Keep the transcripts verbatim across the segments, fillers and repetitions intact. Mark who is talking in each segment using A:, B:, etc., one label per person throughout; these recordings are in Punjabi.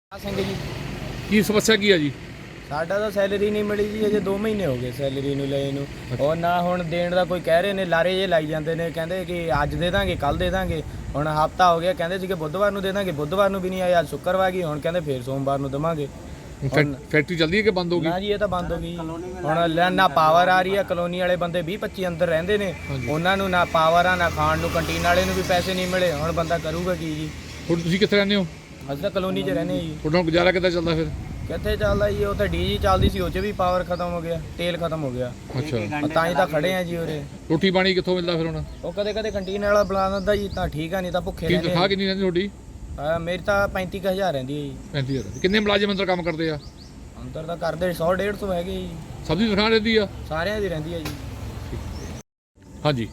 A: ਸਿੰਘ ਜੀ
B: ਕੀ ਸਮੱਸਿਆ ਕੀ ਹੈ ਜੀ?
A: ਸਾਡਾ ਤਾਂ ਸੈਲਰੀ ਨਹੀਂ ਮਿਲੀ ਜੀ, ਅਜੇ ਦੋ ਮਹੀਨੇ ਹੋ ਗਏ ਸੈਲਰੀ ਨੂੰ ਲਏ ਨੂੰ। ਉਹ ਨਾ ਹੁਣ ਦੇਣ ਦਾ ਕੋਈ ਕਹਿ ਰਹੇ ਨੇ, ਲਾਰੇ ਜੇ ਲਾਈ ਜਾਂਦੇ ਨੇ, ਕਹਿੰਦੇ ਕਿ ਅੱਜ ਦੇ ਦਾਂਗੇ ਕੱਲ ਦੇ ਦਾਂਗੇ। ਹੁਣ ਹਫਤਾ ਹੋ ਗਿਆ, ਕਹਿੰਦੇ ਸੀ ਕਿ ਬੁੱਧਵਾਰ ਨੂੰ ਦੇ ਦਾਂਗੇ, ਬੁੱਧਵਾਰ ਨੂੰ ਵੀ ਨਹੀਂ ਆਇਆ। ਅੱਜ ਸ਼ੁੱਕਰਵਾਰ ਗਈ, ਹੁਣ ਕਹਿੰਦੇ ਫੇਰ ਸੋਮਵਾਰ ਨੂੰ ਦੇਵਾਂਗੇ।
B: ਫੈਕਟਰੀ ਚੱਲਦੀ ਹੈ ਕਿ ਬੰਦ ਹੋ ਗਈ?
A: ਨਾ ਜੀ, ਇਹ ਤਾਂ ਬੰਦ ਹੋ ਗਈ। ਹੁਣ ਨਾ ਪਾਵਰ ਆ ਰਹੀ ਆ, ਕਲੋਨੀ ਵਾਲੇ ਬੰਦੇ ਵੀਹ ਪੱਚੀ ਅੰਦਰ ਰਹਿੰਦੇ ਨੇ, ਉਹਨਾਂ ਨੂੰ ਨਾ ਪਾਵਰ ਆ ਨਾ ਖਾਣ ਨੂੰ, ਕੰਟੀਨ ਵਾਲੇ ਨੂੰ ਵੀ ਪੈਸੇ ਨਹੀਂ ਮਿਲੇ। ਹੁਣ ਬੰਦਾ ਕਰੂਗਾ ਕੀ ਜੀ?
B: ਹੁਣ ਤੁਸੀਂ ਕਿੱਥੇ ਰਹਿੰਦੇ ਹੋ?
A: ਅਸੀਂ ਤਾਂ ਕਲੋਨੀ 'ਚ ਰਹਿੰਦੇ ਜੀ।
B: ਤੁਹਾਡਾ ਗੁਜ਼ਾਰਾ ਕਿੱਦਾਂ ਚੱਲਦਾ ਫਿਰ?
A: ਕਿੱਥੇ ਚੱਲਦਾ ਜੀ, ਉਹ ਤਾਂ ਡੀਜੀ ਚੱਲਦੀ ਸੀ, ਉਹ 'ਚ ਵੀ ਪਾਵਰ ਖਤਮ ਹੋ ਗਿਆ, ਤੇਲ ਖਤਮ ਹੋ ਗਿਆ।
B: ਅੱਛਾ,
A: ਤਾਂ ਹੀ ਤਾਂ ਖੜੇ ਆ ਜੀ ਉਰੇ।
B: ਰੋਟੀ ਪਾਣੀ ਕਿੱਥੋਂ ਮਿਲਦਾ ਫਿਰ ਹੁਣ?
A: ਉਹ ਕਦੇ ਕਦੇ ਕੰਟੀਨ ਵਾਲਾ ਬੁਲਾ ਦਿੰਦਾ ਜੀ, ਤਾਂ ਠੀਕ ਆ, ਨਹੀਂ ਤਾਂ ਭੁੱਖੇ
B: ਕੀ
A: ਰਹਿੰਦੇ
B: ਤਨਖਾਹ ਕਿੰਨੀ ਰਹਿੰਦੀ ਤੁਹਾਡੀ?
A: ਆ। ਮੇਰੀ ਤਾਂ ਪੈਂਤੀ ਕੁ ਹਜ਼ਾਰ ਰਹਿੰਦੀ ਹੈ ਜੀ।
B: ਪੈਂਤੀ ਹਜ਼ਾਰ। ਕਿੰਨੇ ਮੁਲਾਜ਼ਮ ਅੰਦਰ ਕੰਮ ਕਰਦੇ ਆ?
A: ਅੰਦਰ ਤਾਂ ਕਰਦੇ ਸੌ ਡੇਢ ਸੌ ਹੈਗੇ ਜੀ।
B: ਸਭ ਦੀ ਤਨਖਾਹ ਰਹਿੰਦੀ ਆ?
A: ਸਾਰਿਆਂ ਦੀ ਰਹਿੰਦੀ ਹੈ ਜੀ।
B: ਹਾਂਜੀ,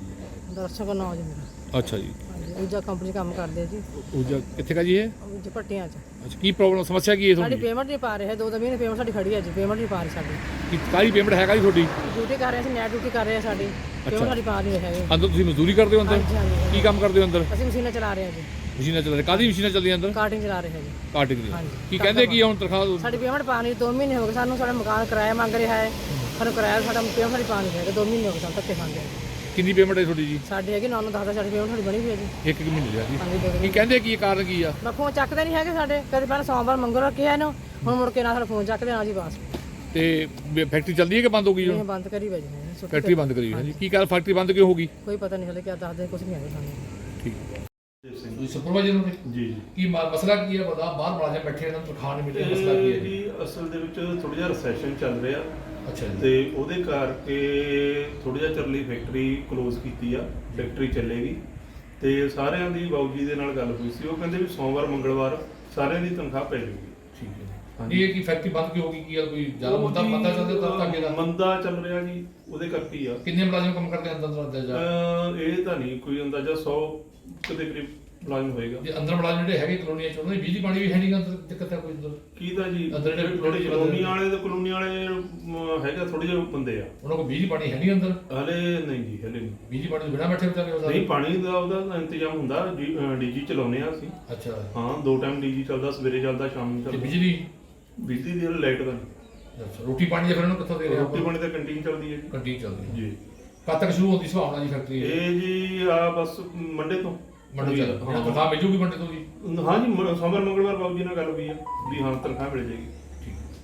C: ਦਰਸ਼ਕ ਨਾਮ ਜੀ ਮੇਰਾ।
B: ਅੱਛਾ ਜੀ।
C: ਹਾਂਜੀ, ਊਰਜਾ ਕੰਪਨੀ 'ਚ ਕੰਮ ਕਰਦੇ ਆ ਜੀ।
B: ਉਹ ਕਿੱਥੇ ਕਾ ਜੀ ਇਹ?
C: ਊਰਜਾ ਭੱਟੀਆਂ 'ਚ।
B: ਅੱਛਾ, ਕੀ ਪ੍ਰੋਬਲਮ ਸਮੱਸਿਆ ਕੀ ਹੈ
C: ਸਾਡੀ
B: ਤੁਹਾਡੀ?
C: ਪੇਮੈਂਟ ਨਹੀਂ ਪਾ ਰਹੇ, ਦੋ ਦੋ ਮਹੀਨੇ ਪੇਮੈਂਟ ਸਾਡੀ ਖੜੀ ਹੈ ਜੀ, ਪੇਮੈਂਟ ਨਹੀਂ ਪਾ ਰਹੀ ਸਾਡੀ।
B: ਕੀ ਕਾਹਦੀ ਪੇਮੈਂਟ ਹੈਗਾ ਜੀ ਤੁਹਾਡੀ?
C: ਡਿਊਟੀ ਕਰ ਰਹੇ ਸੀ, ਨੈਟ ਡਿਊਟੀ ਕਰ ਰਹੇ ਆ ਸਾਡੀ, ਪੇਮੈਂਟ ਸਾਡੀ ਪਾ ਨਹੀਂ ਰਹੇ ਹੈਗੇ।
B: ਅੰਦਰ ਤੁਸੀਂ ਮਜ਼ਦੂਰੀ ਕਰਦੇ ਹੋ ਅੰਦਰ?
C: ਹਾਂਜੀ ਹਾਂਜੀ।
B: ਕੀ ਕੰਮ ਕਰਦੇ ਹੋ ਅੰਦਰ?
C: ਅਸੀਂ ਮਸ਼ੀਨਾਂ ਚਲਾ ਰਹੇ ਹਾਂ ਜੀ,
B: ਮਸ਼ੀਨਾਂ ਚੱਲ ਰਹੀਆਂ? ਕਾਹਦੀ ਮਸ਼ੀਨਾਂ ਚੱਲਦੀਆਂ ਅੰਦਰ?
C: ਕਾਰਟਿੰਗ ਚਲਾ ਰਹੇ ਹਾਂ ਜੀ।
B: ਕਾਟਿੰਗ ਦੀ।
C: ਹਾਂਜੀ।
B: ਕੀ ਕਹਿੰਦੇ ਕੀ ਆ ਹੁਣ ਤਨਖਾਹ?
C: ਸਾਡੀ ਪੇਮੈਂਟ ਪਾ ਨਹੀਂ, ਦੋ ਮਹੀਨੇ ਹੋ ਗਏ ਸਾਨੂੰ, ਸਾਡਾ ਮਕਾਨ ਕਿਰਾਇਆ ਮੰਗ ਰਿਹਾ ਹੈ, ਸਾਨੂੰ ਕਿਰਾਇਆ ਸਾਡਾ ਪੇਮੈਂਟ ਸਾਡੀ ਪਾ ਨਹੀਂ ਹੈਗਾ, ਦੋ ਮਹੀਨੇ ਹੋ ਗਏ ਸਾਨੂੰ ਧੱਕੇ ਖਾਂਦੇ।
B: ਕਿੰਨੀ ਪੇਮੈਂਟ ਹੈ ਤੁਹਾਡੀ ਜੀ?
C: ਸਾਡੇ ਹੈਗੀ ਨੌ ਨੌ ਦਸ ਦਸ ਸਾਡੀ ਪੇਮੈਂਟ ਸਾਡੀ ਬਣੀ ਹੋਈ ਹੈ ਜੀ।
B: ਇੱਕ ਇੱਕ ਮਹੀਨੇ ਦੀ ਆ ਜੀ।
C: ਹਾਂਜੀ, ਦੋ
B: ਕੀ
C: ਮਹੀਨੇ।
B: ਕਹਿੰਦੇ ਕੀ ਕਾਰਨ ਕੀ ਆ?
C: ਮੈਂ ਫੋਨ ਚੱਕਦੇ ਨਹੀਂ ਹੈਗੇ ਸਾਡੇ, ਕਦੇ ਪਹਿਲਾਂ ਸੋਮਵਾਰ ਮੰਗੋ ਰੱਖਿਆ ਇਹਨੂੰ, ਹੁਣ ਮੁੜ ਕੇ ਨਾ ਸਾਡਾ ਫੋਨ ਚੱਕਦੇ ਨਾ ਜੀ ਬਸ।
B: ਤੇ ਫੈਕਟਰੀ ਚੱਲਦੀ ਹੈ ਕਿ ਬੰਦ ਹੋ ਗਈ
C: ਇਹ
B: ਹੁਣ?
C: ਬੰਦ ਕਰੀ ਵਜੇ ਨੇ ਛੁੱਟੀ
B: ਫੈਕਟਰੀ ਬੰਦ ਕਰੀ ਹੋਈ ਹੈ ਜੀ। ਕੀ ਕਾਰਨ ਫੈਕਟਰੀ ਬੰਦ ਕਿਉਂ ਹੋ ਗਈ?
C: ਕੋਈ ਪਤਾ ਨਹੀਂ ਹਲੇ ਕਿਆ ਦੱਸਦੇ, ਕੁਝ ਨਹੀਂ ਆਇਆ ਸਾਨੂੰ।
B: ਠੀਕ ਹੈ। ਤੁਸੀਂ ਸੁਪਰਵਾਈਜ਼ਰ ਹੋ?
D: ਜੀ ਜੀ।
B: ਕੀ ਮਾ- ਮਸਲਾ ਕੀ ਹੈ? ਬਤਾ ਬਾਹਰ ਮੁਲਾਜ਼ਮ ਬੈਠੇ ਇਹਨਾਂ ਨੂੰ ਤਨਖਾਹ ਨਹੀਂ ਮਿਲ ਰਹੀ, ਮਸਲਾ ਕੀ ਹੈ
D: ਇਹ
B: ਜੀ?
D: ਜੀ ਅਸਲ ਦੇ ਵਿੱਚ ਥੋੜਾ ਜਿਹਾ ਰਿਸੈਸ਼ਨ ਚੱਲ ਰਿਹਾ
B: ਅੱਛਾ ਜੀ।
D: ਤੇ ਉਹਦੇ ਕਰਕੇ ਥੋੜਾ ਜਿਹਾ ਚਿਰ ਲਈ ਫੈਕਟਰੀ ਕਲੋਜ਼ ਕੀਤੀ ਆ। ਫੈਕਟਰੀ ਚੱਲੇਗੀ ਤੇ ਸਾਰਿਆਂ ਦੀ ਬਾਊ ਜੀ ਦੇ ਨਾਲ ਗੱਲ ਹੋਈ ਸੀ, ਉਹ ਕਹਿੰਦੇ ਵੀ ਸੋਮਵਾਰ ਮੰਗਲਵਾਰ ਸਾਰਿਆਂ ਦੀ ਤਨਖਾਹ ਪੈ ਜਾਊਗੀ।
B: ਠੀਕ ਹੈ।
D: ਹਾਂਜੀ।
B: ਇਹ ਕੀ ਫੈਕਟਰੀ ਬੰਦ ਕਿਉਂ ਹੋ ਗਈ? ਕੀ ਆ ਕੋਈ ਜ਼ਿਆਦਾ
D: ਉਹ
B: ਮੁੱਦਾ
D: ਜੀ,
B: ਪਤਾ ਚੱਲਦਾ ਤਾਂ ਅੱਗੇ ਦਾ?
D: ਮੰਦਾ ਚੱਲ ਰਿਹਾ ਜੀ, ਉਹਦੇ ਕਰਕੇ ਹੀ ਆ।
B: ਕਿੰਨੇ ਮੁਲਾਜ਼ਮ ਕੰਮ ਕਰਦੇ ਅੰਦਰ ਅੰਦਰ ਜਾ?
D: ਅਹ ਇਹ ਤਾਂ ਨਹੀਂ ਕੋਈ ਅੰਦਾਜ਼ਾ ਸੌ ਦੇ ਕਰੀਬ ਮੁਲਾਜ਼ਮ ਹੋਏਗਾ।
B: ਜੇ ਅੰਦਰ ਮੁਲਾਜ਼ਮ ਜਿਹੜੇ ਹੈਗੇ ਕਲੋਨੀਆਂ ਚ, ਉਹਨਾਂ ਦੀ ਬਿਜਲੀ ਪਾਣੀ ਵੀ ਹੈ ਨਹੀਂ ਗਾ ਅੰਦਰ? ਦਿੱਕਤ ਹੈ ਕੋਈ ਅੰਦਰ?
D: ਕੀ ਤਾਂ ਜੀ
B: ਅੰਦਰ ਜਿਹੜੇ
D: ਜਿਹੜੇ ਕਲੋਨੀ ਵਾਲੇ ਤੇ ਕਲੋਨੀ ਵਾਲੇ ਅਮ, ਹੈਗਾ ਥੋੜੇ ਜਿਹੇ ਬੰਦੇ ਆ।
B: ਉਹਨਾਂ ਕੋਲ ਬਿਜਲੀ ਪਾਣੀ ਹੈ ਨਹੀਂ ਅੰਦਰ?
D: ਹਲੇ ਨਹੀਂ ਜੀ, ਹਲੇ ਨਹੀਂ।
B: ਬਿਜਲੀ ਪਾਣੀ ਤੋਂ ਬਿਨਾਂ ਬੈਠੇ ਵਿਚਾਰੇ ਉਹ ਸਾਰੇ?
D: ਨਹੀਂ, ਪਾਣੀ ਦਾ ਉਹਦਾ ਇੰਤਜ਼ਾਮ ਹੁੰਦਾ, ਡੀਜੀ ਚਲਾਉਂਦੇ ਆ ਅਸੀਂ।
B: ਅੱਛਾ।
D: ਹਾਂ, ਦੋ ਟਾਈਮ ਡੀਜੀ ਚੱਲਦਾ, ਸਵੇਰੇ ਚੱਲਦਾ, ਸ਼ਾਮ ਨੂੰ
B: ਤੇ
D: ਚੱਲਦਾ।
B: ਬਿਜਲੀ?
D: ਬਿਜਲੀ ਦੀ ਲਾਈਟ ਦਾ ਨਹੀਂ।
B: ਅੱਛਾ। ਰੋਟੀ ਪਾਣੀ ਦੇ ਫਿਰ ਉਹਨੂੰ ਕਿੱਥੋਂ ਦੇ ਰਹੇ?
D: ਰੋਟੀ ਪਾਣੀ ਤਾਂ ਕੰਟੀਨ ਚੱਲਦੀ ਹੈ ਜੀ।
B: ਕੰਟੀਨ ਚੱਲਦੀ ਹੈ
D: ਜੀ।
B: ਕਦ ਤੱਕ ਸ਼ੁਰੂ ਹੁੰਦੀ ਸੰਭਾਵਨਾ ਜੀ ਫੈਕਟਰੀ?
D: ਇਹ ਜੀ ਆ ਬਸ ਮੰਡੇ ਤੋਂ।
B: ਮੰਡੇ ਚੱਲ
D: ਹਾਂ।
B: ਤਨਖਾਹ ਮਿਲ ਜੂਗੀ ਮੰਡੇ ਤੋਂ ਜੀ?
D: ਹਾਂ ਜੀ, ਮ- ਸੋਮਵਾਰ ਮੰਗਲਵਾਰ ਬਾਬੂ ਜੀ ਨਾਲ ਗੱਲ ਹੋਈ ਆ ਵੀ ਹਾਂ ਤਨਖਾਹ ਮਿਲ ਜਾਏਗੀ।